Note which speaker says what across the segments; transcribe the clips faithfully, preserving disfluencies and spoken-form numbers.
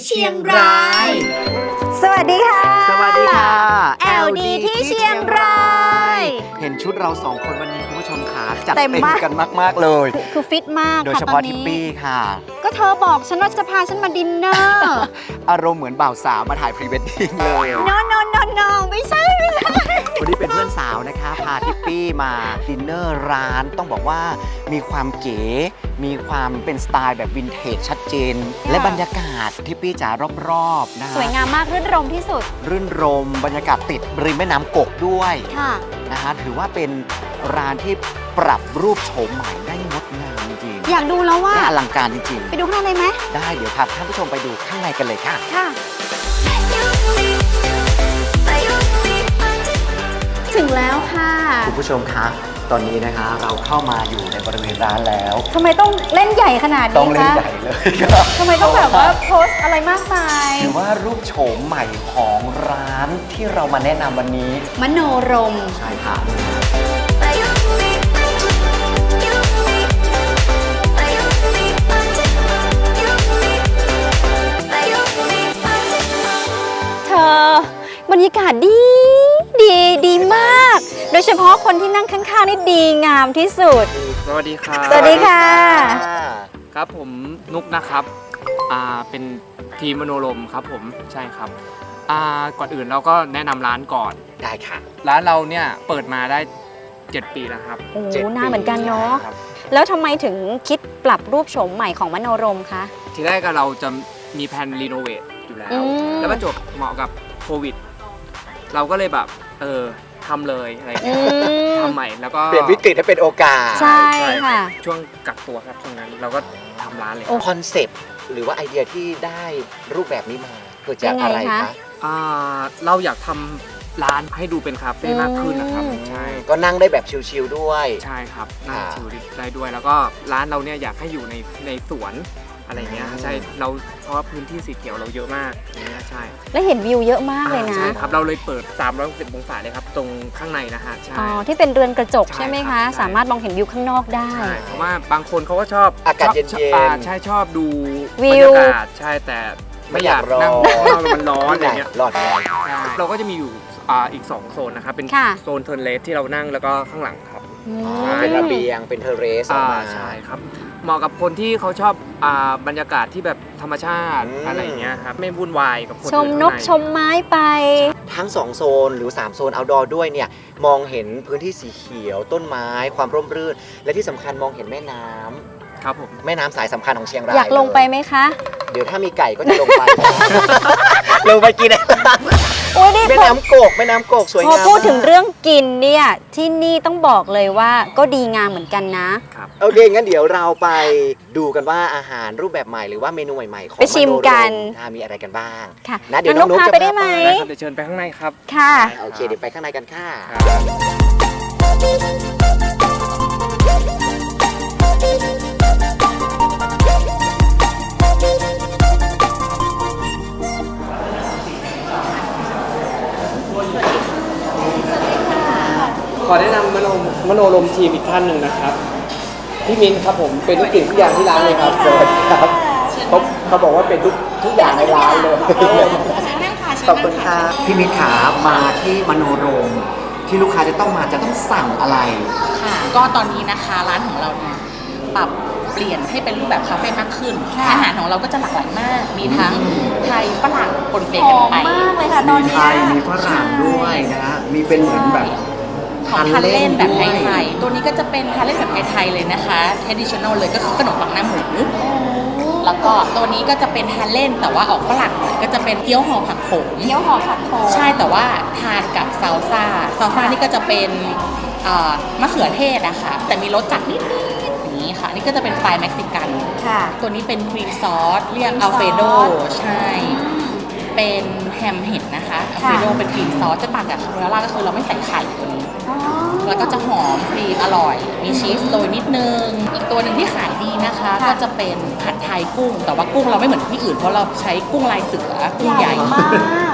Speaker 1: เชียงราย
Speaker 2: สวัสดีค่ะ
Speaker 3: สวัสดีค่ะ
Speaker 2: แอล ดี ที่เชียงราย
Speaker 3: เห็นชุดเราสองคนวันนี้คุณผู้ชมขาจัด
Speaker 2: เต็
Speaker 3: เต็
Speaker 2: ม
Speaker 3: ม
Speaker 2: มาก
Speaker 3: กันมากๆเลย
Speaker 2: คือฟิตมาก
Speaker 3: โดย
Speaker 2: ค่ะ
Speaker 3: เฉ
Speaker 2: ตอ
Speaker 3: พาะ
Speaker 2: น
Speaker 3: ทิป
Speaker 2: นี้
Speaker 3: ปี้ค่ะ
Speaker 2: ก็เธอบอกฉันว่าจะพาฉันมาดินเนอร์
Speaker 3: อารมณ์เหมือนบ่าวสาวมาถ่ายพรีเวดดิ้งเลย
Speaker 2: no no no no ไม่ใช่ไม่ใช่
Speaker 3: วันนี้เป็นเพื่อนสาวนะคะ พาทิปปี้มาดินเนอร์ร้านต้องบอกว่ามีความเก๋ มีความเป็นสไตล์แบบวินเทจชัดเจน และบรรยากาศทิปปี้จ๋ารอบๆนะ
Speaker 2: สวยงามมากรื่นรมที่สุด
Speaker 3: รื่นรมบรรยากาศติดริมแม่น้ำกกด้วย
Speaker 2: ค่ะ
Speaker 3: นะฮะถือว่าเป็นร้านที่ปรับรูปโฉมใหม่ได้งดงามจริงๆ
Speaker 2: อยากดูแล้วว่า
Speaker 3: และอลังการจริง
Speaker 2: ไปดูข้างในไหม
Speaker 3: ๆ ได้เดี๋ยวพาท่านผู้ชมไปดูข้างในกันเลยค่ะ
Speaker 2: ค่ะ ถึงแล้วค่ะ
Speaker 3: คุณผู้ชมคะตอนนี้นะคะเราเข้ามาอยู่ในบริเวณร้านแล้ว
Speaker 2: ทำไมต้องเล่นใหญ่ขนาด
Speaker 3: ต้อ
Speaker 2: นี้
Speaker 3: งเล่น
Speaker 2: คะ
Speaker 3: ใหญ่เลยครับ
Speaker 2: ทำไมต้องแบบว่าโพสต์อะไรมากมาย
Speaker 3: ถือว่ารูปโฉมใหม่ของร้านที่เรามาแนะนำวันนี้
Speaker 2: มโนรม
Speaker 3: ใช่ค่ะ
Speaker 2: เธอบรรยากาศดีดีดีมาก โดยเฉพาะคนที่นั่งข้างๆนี่ดีงามที่สุด
Speaker 1: สวัสดีครับ
Speaker 2: สวัสดีค่ะ
Speaker 1: ครับผมนุกนะครับอ่าเป็นทีมมโนรมครับผมใช่ครับอ่าก่อนอื่นเราก็แนะนำร้านก่อน
Speaker 3: ได้ค่ะ
Speaker 1: ร้านเราเนี่ยเปิดมาได้เจ็ดปีแล้วครับ
Speaker 2: โอ้
Speaker 3: เจ็ด
Speaker 2: หน้าเหมือนกันเนาะ
Speaker 1: ครับ
Speaker 2: แล้วทำไมถึงคิดปรับรูปโฉมใหม่ของมโนรมคะ
Speaker 1: ทีแรกก็เราจะมีแผนรีโนเวทอยู่แล้ว
Speaker 2: อืม
Speaker 1: แล้วก็จบเหมาะกับโควิด เราก็เลยแบบเออทำเลยอะไรอย่าง
Speaker 2: อื
Speaker 1: เงี้ย
Speaker 2: ม
Speaker 1: ทำใหม่แล้วก็
Speaker 3: เปลี่ยนวิกฤตให้เป็นโอกาส
Speaker 2: ใช่
Speaker 1: รับ
Speaker 2: ค่ะ
Speaker 1: ช่วงกักตัวครับช่วงนั้นเราก็ทำร้านเลย
Speaker 2: โอ้
Speaker 3: คอนเซปต์หรือว่าไอเดียที่ได้รูปแบบนี้มาเกิดจาก
Speaker 2: ยังไง
Speaker 3: อะไร
Speaker 2: คะ
Speaker 3: คะ
Speaker 1: อ่าเราอยากทำร้านให้ดูเป็นคาเฟ่มากขึ้นนะครับ
Speaker 2: อืม
Speaker 1: ใช่
Speaker 3: ก็นั่งได้แบบชิลๆด้วย
Speaker 1: ใช่ครับนั่ง
Speaker 3: ค่ะ
Speaker 1: ชิลได้ด้วยแล้วก็ร้านเราเนี่ยอยากให้อยู่ในในสวนอะไรเงี้ย
Speaker 3: อืม
Speaker 1: ใช่เราเพราะว่าพื้นที่สีเขียวเราเยอะมากอย่างเงี้ยใช่
Speaker 2: และเห็นวิวเยอะมากเลยนะ
Speaker 1: ใช่ครับเราเลยเปิดสามร้อยหกสิบองศาเลยครับตรงข้างในนะฮะใช่
Speaker 2: อ๋อ ที่เป็นเรือนกระจก
Speaker 1: ใช่
Speaker 2: ใช่ไหม
Speaker 1: ครั
Speaker 2: คะ
Speaker 1: บใช่
Speaker 2: สามารถมองเห็นวิวข้างนอกได้
Speaker 1: ใช่เพราะว่าบางคนเขาก็ชอบ
Speaker 3: อากาศ
Speaker 1: ชบ
Speaker 3: เย็นๆ
Speaker 1: ชอบอ่าใช่ชอบดู
Speaker 2: วิ
Speaker 1: บร
Speaker 2: ว
Speaker 1: รยากาศใช่แต่ไม่อยากนั่ง
Speaker 3: ไม่อยากรอ
Speaker 1: ข้างนอกมันร้อนอะไรเงี้ย
Speaker 3: หลอดไง
Speaker 1: ใช่เราก็จะมีอยู่อ่าอีกสองโซนนะครับเป็น
Speaker 2: ค่ะ
Speaker 1: โซนเทิร์นเลสที่เรานั่งแล้วก็ข้างหลังครับ
Speaker 2: อื
Speaker 3: อ๋
Speaker 2: ม
Speaker 3: อเป็นระเบียงเป็นเทอร์เรสออกมา
Speaker 1: อ่าใช่ครับเหมาะกับคนที่เขาชอบอ่าบรรยากาศที่แบบธรรมชาติ
Speaker 3: อืม
Speaker 1: อะไรอย่างเงี้ยครับไม่วุ่นวายกับคน
Speaker 2: ชม
Speaker 1: อื่
Speaker 2: นก
Speaker 1: ข้างใ
Speaker 2: ชมไม้ไป
Speaker 3: ทั้งสองโซนหรือสามโซนเอาท์ดอร์ด้วยเนี่ยมองเห็นพื้นที่สีเขียวต้นไม้ความร่มรื่น และที่สำคัญมองเห็นแม่น้ำ
Speaker 1: ครับผม
Speaker 3: แม่น้ำสายสำคัญของเชียงราย
Speaker 2: อยากลงไปไหมคะ
Speaker 3: เดี๋ยวถ้ามีไก่ก็จะลงไป ลงไปกิน
Speaker 2: โอ้ยนี่
Speaker 3: แม่
Speaker 2: พอ
Speaker 3: น้ำกกแม่น้ำกกสวย
Speaker 2: พอง
Speaker 3: าม
Speaker 2: พูดถึง
Speaker 3: มาก
Speaker 2: เรื่องกินเนี่ย ที่นี่ต้องบอกเลยว่าก็ดีงามเหมือนกันนะ
Speaker 1: ครับ
Speaker 3: โอเคงั้นเดี๋ยวเราไปดูกันว่าอาหารรูปแบบใหม่หรือว่าเมนูใหม่ๆของ
Speaker 2: ไปชิมกัน
Speaker 3: โรมอ่ามีอะไรกันบ้าง
Speaker 2: ค่ะ
Speaker 3: นะเดี๋ยว
Speaker 2: น้
Speaker 3: น้
Speaker 2: อ
Speaker 3: อง งนุ๊ก
Speaker 2: พา
Speaker 3: จะ
Speaker 2: ไปได้ไหม
Speaker 1: ได้ครับเดี๋ยวเชิญไปข้างในครับ
Speaker 2: ค่ะ
Speaker 3: โอเคเดี๋ยวไปข้างในกันค่ะ
Speaker 1: ครับ ขอแนะนำมโนมโนรมทีมอีกท่านหนึ่งนะครับพี่มิ้นครับผมเป็นทุกสิ่งทุกอย่างที่ร้านเลยครับสวัสดีครับเขาเขาบอกว่าเป็นทุกทุกอย่างในร้านเลยขอบคุณค่ะพี่มิ้นขามาที่มโนรมที่ลูกค้าจะต้องมาจะต้องสั่งอะไร
Speaker 4: ค่ะก็ตอนนี้นะคะร้านของเราเนี่ยปรับเปลี่ยนให้เป็นรูปแบบคาเฟ่มากขึ้น อาหารของเราก็จะหลากหลายมาก มีทั้งไทยฝรั่งปนเป
Speaker 2: ห
Speaker 4: กัน
Speaker 2: อม
Speaker 4: ไป
Speaker 2: มากเลยค่ะตอน
Speaker 3: มี
Speaker 2: เนี้
Speaker 3: ไท
Speaker 2: ย
Speaker 3: ยมีฝรั่งด้วยนะฮะมีเป็นเหมือนแบบ
Speaker 4: ของทานเล่นแบบ
Speaker 3: ด้วย
Speaker 4: ไทยๆตัวนี้ก็จะเป็นทานเล่นแบบไทยๆเลยนะคะ traditional เลยก็คือขนมปังหน้าหมูแล้วก็ตัวนี้ก็จะเป็นทานเล่นแต่ว่าออกฝรั่งหน่อยก็จะเป็นเกี๊ยวห่อผักโขม
Speaker 2: เกี๊ยวห่อผักโขม
Speaker 4: ใช่แต่ว่าทานกับซาลซ่าซาลซ่านี่ก็จะเป็นเอ่อมะเขือเทศนะคะแต่มีรสจัดนิดๆอย่างนี้ค่ะ นี่ก็จะเป็นไฟล์เม็กซิกัน
Speaker 2: ค่ะ
Speaker 4: ตัวนี้เป็นครีมซอสเรียก
Speaker 2: ครีมซ
Speaker 4: อั
Speaker 2: อ
Speaker 4: ล
Speaker 2: ส
Speaker 4: เฟโดใช่ เป็นแฮมเห็ดนะคะอัล
Speaker 2: ค่ะ
Speaker 4: เฟโดเป็นครีมซอสจะต่างจากคาโบนาร่าก็คือเราไม่ใส่ไข่ตัวนี้
Speaker 2: อ๋อ
Speaker 4: แล้วก็จะหอมครีมอร่อย มีชีสโรยนิดนึง อีกตัวหนึ่งที่ขายดีนะคะ ก็จะเป็นผัดไทยกุ้ง แต่ว่ากุ้งเราไม่เหมือนที่อื่นเพราะเราใช้กุ้งลายเสือกุ้งใหญ่
Speaker 2: มาก
Speaker 4: ค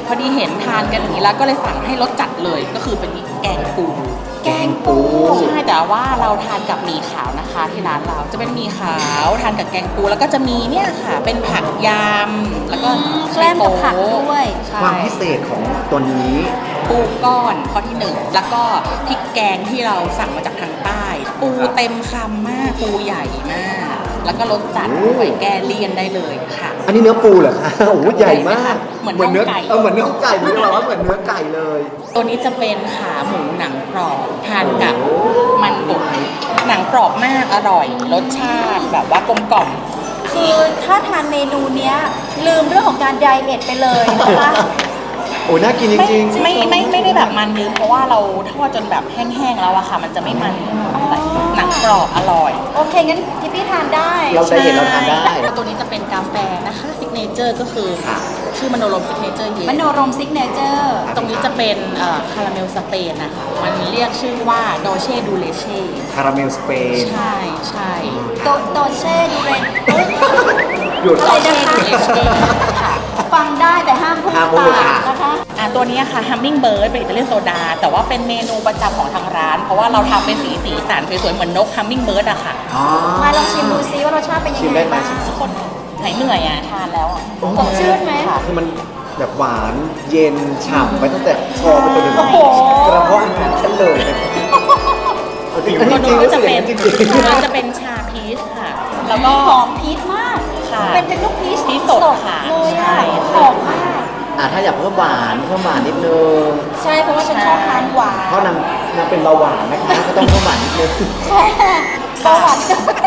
Speaker 4: อดีเห็นทานกันอย่างนี้แล้วก็เลยสั่งให้รสจัดเลยก็คือเป็นแกงปู
Speaker 2: แกงปู
Speaker 4: ใช่แต่ว่าเราทานกับหมี่ขาวนะคะที่ร้านเราจะเป็นหมี่ขาวทานกับแกงปูแล้วก็จะมีเนี่ยค่ะเป็นผักยำแล้วก็
Speaker 2: แกล้มกับผักด้วย
Speaker 4: ใช่
Speaker 3: ความพิเศษของตัวนี้
Speaker 4: ปูก้อนข้อที่หนึ่งแล้วก็พริกแกงที่เราสั่งมาจากทางใต้ ปูเต็มคำมากปูใหญ่มาก แล้วก็รสจัดด้วยแกเลี่ยนได้เลยค่ะ
Speaker 3: อันนี้เนื้อปูเหรอคะ โอ้โหใหญ่มาก
Speaker 4: เหมือนน่องไก่
Speaker 3: เออเหมือนเนื้อไก่เลยว่าเหมือนเนื้อไก่เลย
Speaker 4: ตัวนี้จะเป็นขาหมูหนังกรอบทานกับมันบดหนังกรอบมากอร่อย รสชาติแบบว่ากลมกล่อม
Speaker 2: คือถ้าทานเมนูเนี้ยลืมเรื่องของการไดเอทไปเลยนะคะ
Speaker 3: โอ้น่ากินจ
Speaker 4: ไม่
Speaker 3: ริง
Speaker 4: ไม่ไม่ไม่ได้แบบมันลืมเพราะว่าเราทอดจนแบบแห้งๆแล้วอะค่ะ มันจะไม่มันหนังกรอบอร่อย
Speaker 2: โอเค งั้นทิปปี้ทานได้
Speaker 3: เราไดเอทเราทานได้
Speaker 4: ตัวนี้จะเป็นกาแฟนะคะซิกเนเจอร์ก็คือ
Speaker 3: ค่ะ
Speaker 4: ชื่อมโนรมซิกเนเจอร์เย็
Speaker 2: ม
Speaker 4: น
Speaker 2: โนรมซิกเนเจอร์
Speaker 4: ตรงนี้จะเป็นเอ่อคาราเมลสเปนนะคะมันเรียกชื่อว่าโดเช่ดูเลเช่
Speaker 3: คาราเมลสเปน
Speaker 4: ใช่ใช่
Speaker 2: โตโตเช่ดูเรน
Speaker 3: หยุด
Speaker 2: อะไรนะคะ
Speaker 4: ดูเลเช่ค่ะ
Speaker 2: ฟังได้แต่ห้ามพูด
Speaker 3: ห้ามพูด
Speaker 2: ปา
Speaker 3: ค่ะ
Speaker 2: กนะคะ
Speaker 4: อ่าตัวนี้ค่ะฮัมมิงเบิร์ดเป็นอิตาเลียนโซดา แต่ว่าเป็นเมนูประจำของทางร้าน เพราะว่าเราทำเป็นสีสีสันสวยๆเหมือนนกฮัมมิงเบิร์ดอะค่ะ
Speaker 3: อ๋อ
Speaker 2: มาลองชิมดูซิว่ารสชาติเป็นยัง
Speaker 3: ชิม
Speaker 2: ไง
Speaker 3: ได้ไหม
Speaker 2: บ้าง
Speaker 4: ทุกคนหายเหนื่อยอ่ะทานแล้วอะ
Speaker 2: สดชื่นไหม
Speaker 3: คือมันแบบหวานเย็นฉ่ำไปตั้งแต่คอไปจนถึง
Speaker 2: โอ้โห
Speaker 3: กระเพาะอาหารฉันเลยเอาจริงๆจริงๆ
Speaker 4: ก็
Speaker 3: รู้สึ
Speaker 4: จะ
Speaker 3: กอ
Speaker 4: เป็
Speaker 3: ย่าง
Speaker 4: น
Speaker 3: นั้นจริง
Speaker 4: มันจะเป็นชาพีชค่ะ แล้วก็
Speaker 2: หอมพีชมาก
Speaker 4: ค่ะ
Speaker 2: เป็นเป็นลูกพีช
Speaker 4: พีชสดค่ะ
Speaker 2: เลยอะ
Speaker 4: ใช่
Speaker 2: หอมมาก
Speaker 3: ๆอ่าถ้าอยากเพิ่มหวานเพิ่มหวานนิดนึง
Speaker 2: ใช่เพราะว่าฉันชอบทานหวาน
Speaker 3: เพราะนางนางเป็นเบาหวานนะคะก็ต้องเพิ่มหวานนิดนึง
Speaker 2: ใช่เบาหวาน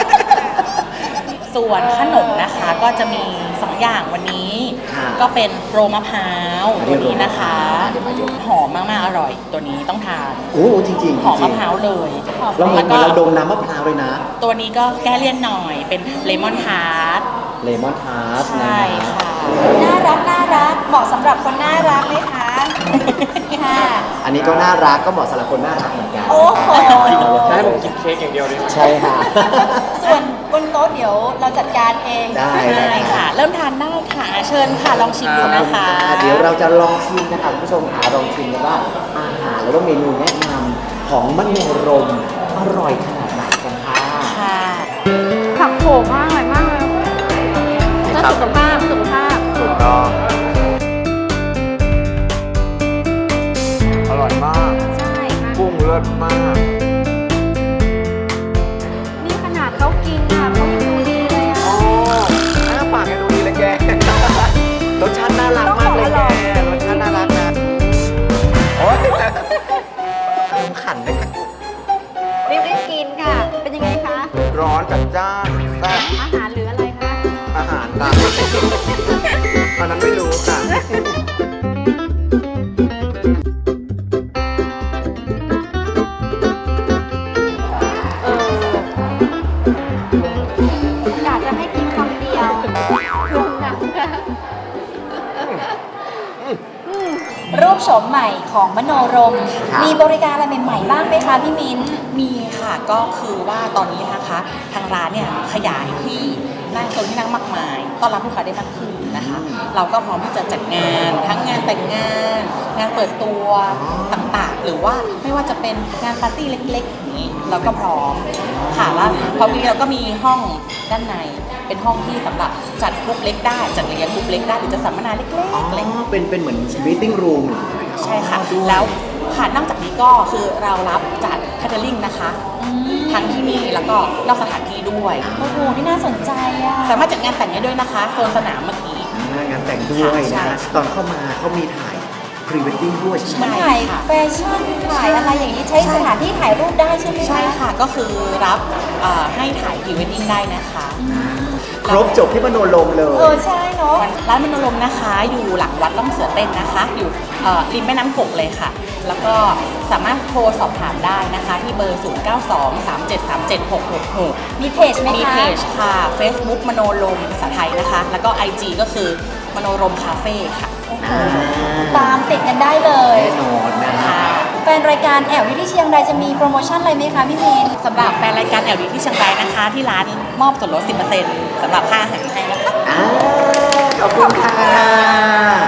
Speaker 4: ส่วนขนมนะคะก็จะมีสองอย่างวันนี้
Speaker 3: ค่ะ
Speaker 4: ก็เป็นโรลมะพร้าว
Speaker 3: อันนี้
Speaker 4: ตัวนี้นะคะ
Speaker 3: โรลมะพร้าวเดี๋ยวมาดู
Speaker 4: หอมมากๆอร่อย ตัวนี้ต้องทาน
Speaker 3: โอ้จริงๆจริง
Speaker 4: หอมมะพร้าวเลย
Speaker 3: เราเหมื
Speaker 4: แล้
Speaker 3: อน
Speaker 4: วก็
Speaker 3: เราดมน้ำมะพร้าวเลยนะ
Speaker 4: ตัวนี้ก็แก้เลี่ยนหน่อยเป็นเลมอนทาร์ต
Speaker 3: เลมอนทาร์ต
Speaker 4: ใช่ค่ะ
Speaker 2: น่ารักน่ารักเหมาะสำหรับคนน่ารักไหมคะค่ะ
Speaker 3: อันนี้ก็น่ารักก็เหมาะสำหรับคนน่ารักเหมือนกัน
Speaker 2: โอ้โห
Speaker 1: จะให้ผมกินเค้กอย่างเดียวเลย
Speaker 3: ใช่ค่ะ
Speaker 2: ส่วนบนโต๊ะเดี๋ยวเราจัดการเอง
Speaker 3: ได้
Speaker 4: ใช่ค่ะ เริ่มทานได้ค่ะ เชิญค่ะ ลองชิมดูนะคะ
Speaker 3: เดี๋ยวเราจะลองชิมนะคะคุณผู้ชมค่ะลองชิมกันว่าอาหารแล้วก็เมนูแนะนำของมโนรมอร่อยขนาดไหนกันค่ะ
Speaker 4: ค่ะ
Speaker 2: ผักโขมมากอร่อยมากเลยแล้วสุขภาพสุขภาพ
Speaker 3: ถูกต้องอร่อยมาก
Speaker 2: ใช่ค่ะ
Speaker 3: กุ้งเลิศมาก
Speaker 2: นี่ขนาดเขากินอ่ะเขายังดูดีเลยอ่ะ
Speaker 3: โอ้หน้าปากยังดูดีเลยแก รสชาติน่ารักมากเลยแก รสชาติน่ารักนะ โอ๊ยอารมณ์ขันเลยค่ะ
Speaker 2: รีบรีบกินค่ะ เป็นยังไงคะ
Speaker 3: ร้อนจัดจ้านแซ่บ
Speaker 2: อาหารหรืออะไรคะ
Speaker 3: อาหารตามอันนั้นไม่รู้ค่ะ
Speaker 2: เอออยากจะให้กินคำเดียวลงหนังค่ะรูปโฉมใหม่ของมโนรม
Speaker 3: ครับ
Speaker 2: มีบริการอะไรใหม่ๆบ้างไหมคะพี่มิ้น
Speaker 4: มีค่ะก็คือว่าตอนนี้นะคะ ทางร้านเนี่ยขยายที่นั่งโซนที่นั่งมากมายต้อนรับลูกค้าได้มากขึ้นนะคะ เราก็พร้อมที่จะจัดงาน ทั้งงานแต่งงาน งานเปิดตัวต่างๆ หรือว่าไม่ว่าจะเป็นงานปาร์ตี้เล็กๆอย่างนี้เราก็พร้อมค่ะแล้วพอมีเราก็มีห้องด้านใน เป็นห้องที่สำหรับจัดกรุ๊ปเล็กได้จัดเลี้ยงกรุ๊ปเล็กได้หรือจะสัมมนาเล็ก
Speaker 3: อ๋อ
Speaker 4: ๆอะไรอย่างเงี้ย
Speaker 3: เป็นเป็นเหมือน meeting room
Speaker 4: ใช่ค่ะ แล้วค่ะนอกจากนี้ก็คือเรารับจัดแคทเทอริงนะคะทั้งที่นี่แล้วก็นอกสถานที่ด้วย
Speaker 2: โอ้โห นี่น่าสนใจอ่ะ
Speaker 4: สามารถจัดงานแต่งได้ด้วยนะคะโซนสนามเมื่อกี้
Speaker 3: อ่างานแต่งด้วย
Speaker 4: ใช่
Speaker 3: นะ ตอนเข้ามาเขามีถ่าย pre wedding ด้วยใช่ไหม
Speaker 2: มันถ่ายแฟชั่นถ่ายอะไรอย่างนี้ใช้สถานที่ถ่ายรูปได้ใช่ไหมคะ
Speaker 4: ใช่ค่ะก็คือรับเอ่อให้ถ่ายพรีเวดดิ้งได้นะคะ
Speaker 3: ครบจบที่มโนรมเล
Speaker 2: เอย อ ใช่เนาะ
Speaker 4: ร้านมโนรมนะคะ อยู่หลังวัดล่องเสือเต้นนะคะ อยู่เอ่อริมแม่น้ำกกเลยค่ะ แล้วก็สามารถโทรสอบถามได้นะคะ ที่เบอร์ ศูนย์ เก้า สอง สาม เจ็ด สาม เจ็ด หก หก หก
Speaker 2: มีเพจไหม
Speaker 4: มี
Speaker 2: คะ
Speaker 4: เพจค่ะ Facebook มโนรมภาษาไทยนะคะ แล้วก็ ไอ จี ก็คือมโนรมคาเฟ่ค่ะ
Speaker 3: อ่า
Speaker 2: ตามติดกันได้เลย
Speaker 3: แน่นอนนะ
Speaker 4: ค่ะ
Speaker 2: แฟนรายการแอลวิที่เชียงรายจะมีโปรโมชั่นอะไรไหมคะพี่มีน
Speaker 4: สำหรับแฟนรายการแอลดีที่เชียงรายนะคะ ที่ร้านมอบส่วนลด สิบเปอร์เซ็นต์ สำหรับค่าอาหารให้นะคะ
Speaker 3: อ่าขอบคุณค่ะ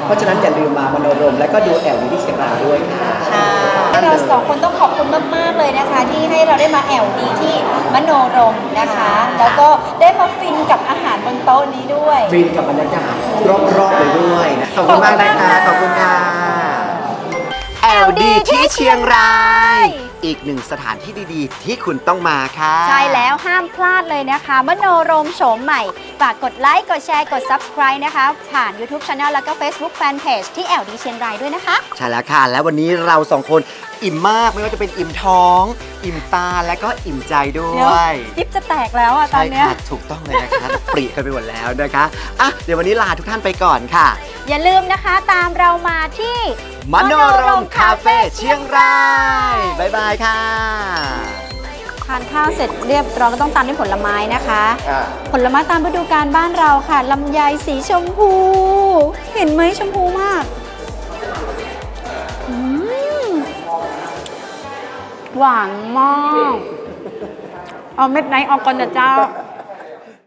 Speaker 1: เพราะฉะนั้นอย่าลืมมามโนรมและก็ดูแอลที่เชียงรายด้วยค่ะ
Speaker 2: ค่ะเราสองคนต้องขอบคุณมากๆเลยนะคะ ที่ให้เราได้มาแอวดีที่มโนรมนะคะ แล้วก็ได้มาฟินกับอาหารบนโต๊ะนี้ด้วย
Speaker 1: ฟินกับบรรยากาศรอบๆเลยด้วยนะขอบคุณมากนะคะ ขอบคุณค่ะ
Speaker 3: แอล ดี ที่เชียงราย อีกหนึ่งสถานที่ดีๆ ที่คุณต้องมาค่ะ
Speaker 2: ใช่แล้วห้ามพลาดเลยนะคะ มโนรมโฉมใหม่ ฝากกดไลค์ กดแชร์ กด Subscribe นะคะ ผ่าน YouTube Channel แล้วก็ Facebook Fanpage ที่ แอล ดี เชียงรายด้วยนะคะ
Speaker 3: ใช่แล้วค่ะ และวันนี้เราสองคนอิ่มมากไม่ว่าจะเป็นอิ่มท้อง อิ่มตาและก็อิ่มใจด้ว
Speaker 2: เดี๋ยวย ซิปจะแตกแล้วอ่ะตอ
Speaker 3: ใช่
Speaker 2: นเนี้ย
Speaker 3: ค่ะถูกต้องเลยนะคะ ปรีกันไปหมดแล้วนะคะอ่ะเดี๋ยววันนี้ลาทุกท่านไปก่อนค่ะ
Speaker 2: อย่าลืมนะคะตามเรามาที่
Speaker 3: มโนรมคาเฟ่เชียงรายบ๊ายบายค่ะ
Speaker 2: ทานข้าวเสร็จเรียบร้อยก็ต้องตามด้วยผลไม้นะคะ
Speaker 1: อ่า
Speaker 2: ผลไม้ตามฤดูกาลบ้านเราค่ะลำไยสีชมพู เห็นไหมชมพูมากอืมหวานมากเอาเม็ดไหนออกก่อนนะเจ้า